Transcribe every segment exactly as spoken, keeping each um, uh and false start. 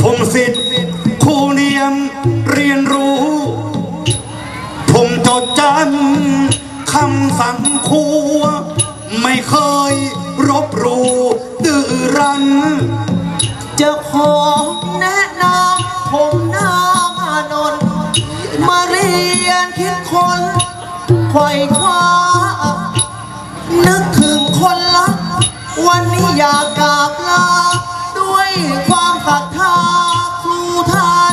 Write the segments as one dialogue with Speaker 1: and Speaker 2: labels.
Speaker 1: ผมศิษย์ครูเนียมเรียนรู้ผมจดจำคำสั่งครูไม่เคยรบหลู่ดื้อรั้น
Speaker 2: จะขอแนะนำผมนามานนท์มาเรียนคิดคนไขว่คว้านึกถึงคนรักวันนี้อยากกราบลาด้วยความศรัทธาครูท่าน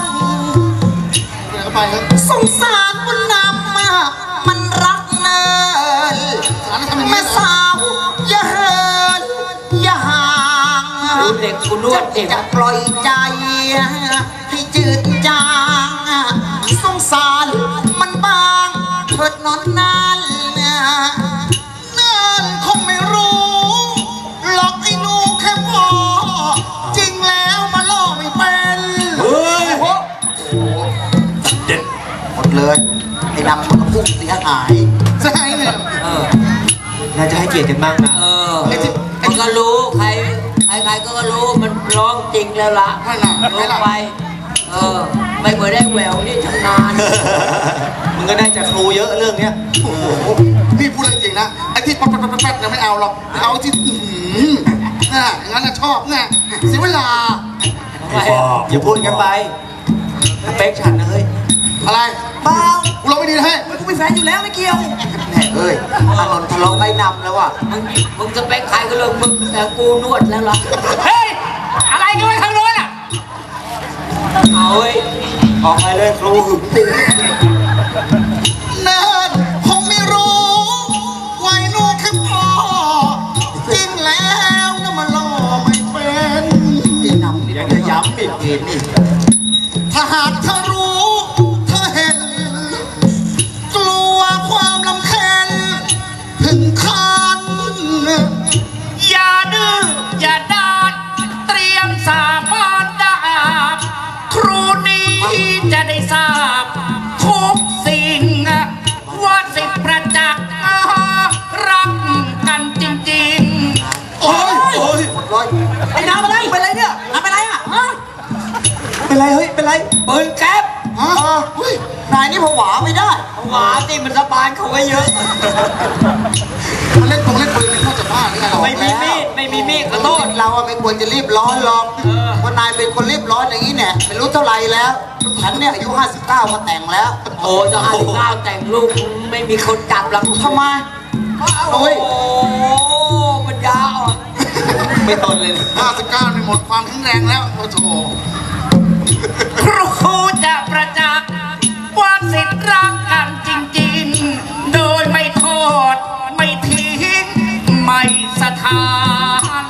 Speaker 2: สงสารมันนำมามันรักเนินแม่สาวอย่าเหินอย่าห่างเด็กคุณนวดเองจะปล่อยใจให้จืดจางสงสารมันบางเถิดนอนนานเนินคงไม่รู้หลอกไอ้นูแค่พอจริงแล้วมาล่อไม่เป็นเฮ้ยเด็ดหมดเลยไอ้ดำมันก็พุ่งเสียหายใช่เนี่ยน่าจะให้เกียรติกันบ้างนะเออมันก็รู้ใครใครๆก็รู้มันร้องจริงแล้วล่ะลงไปเออไม่เคยได้แหววนี่ชำนาญมึงก็ได้จากครูเยอะเรื่องเนี้ยโอ้โหนี่พูดจริงนะไอ้ที่ปั๊บปั๊บปั๊บปั๊บยังไม่เอาหรอกเอาที่น่ะงั้นน่ะชอบไงเสียเวลาอย่าพูดกันไปเป๊กฉันนะเฮ้ยอะไรเปล่ากูร้องไม่ดีนะเฮ้ยกูเป็นแฟนอยู่แล้วไม่เกี่ยวแหน่เฮ้ยอานนท์ทะเลาะไม่นำแล้วว่ะมึงมึงจะเป๊กใครก็เรื่องมึงแต่กูนวดแล้วล่ะเฮ้ยอะไรกันไว้ทางโน้นอ่ะเอาเฮ้ยออกไปเลยครูหึงตีเนินคงไม่รู้ไว้ลูกแค่พอจริงแล้วนะมันล่อไม่เป็นนี่นำนี่จะย้ำอีกทีนี่ถ้าหากเธอรู้เธอเห็นกลัวความลำเค็ญถึงคันอย่าดื้ออย่าด้านเตรียมสาบานดาบครูนี้จะได้ทราบทุกสิ่งว่าสิประจักษ์รักกันจริงๆโอ้ยโอ้ยไอ้น้ำอะไรเป็นไรเนี่ยน้ำเป็นไรอ่ะฮะเป็นไรเฮ้ยเป็นไรปืนแก๊ปฮะนายนี่ผวาไม่ได้ผวาสิมันสบายเขาไว้เยอะมันเล่นตรงเล่นปืนเป็นข้อจะบ้าหรือไงเราไม่มีมีดไม่มีมีดขอโทษเราไม่ควรจะรีบร้อนหรอกเพราะนายเป็นคนรีบร้อนอย่างนี้เนี่ยไม่รู้เท่าไรแล้วฉันเนี่ยอายุห้าสิบเก้ามาแต่งแล้วโอ้จะห้าสิบเก้าแต่งลูกไม่มีคนจับหรอกทำไมโอ้ยมันยาวไม่ทนเลยห้าสิบเก้าในหมดความแข็งแรงแล้วโอ้โหครูจะประจักษ์ว่าสิทธิ์รักกันจริงๆโดยไม่โทษไม่ทิ้งไม่สถาน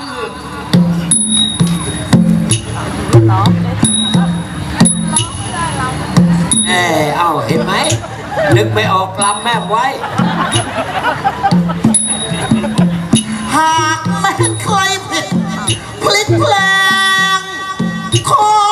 Speaker 2: เออเอาเห็นไหมนึกไม่ออกลำแม่ไว้หากแม่ใครผิดพลิกแปลงขอ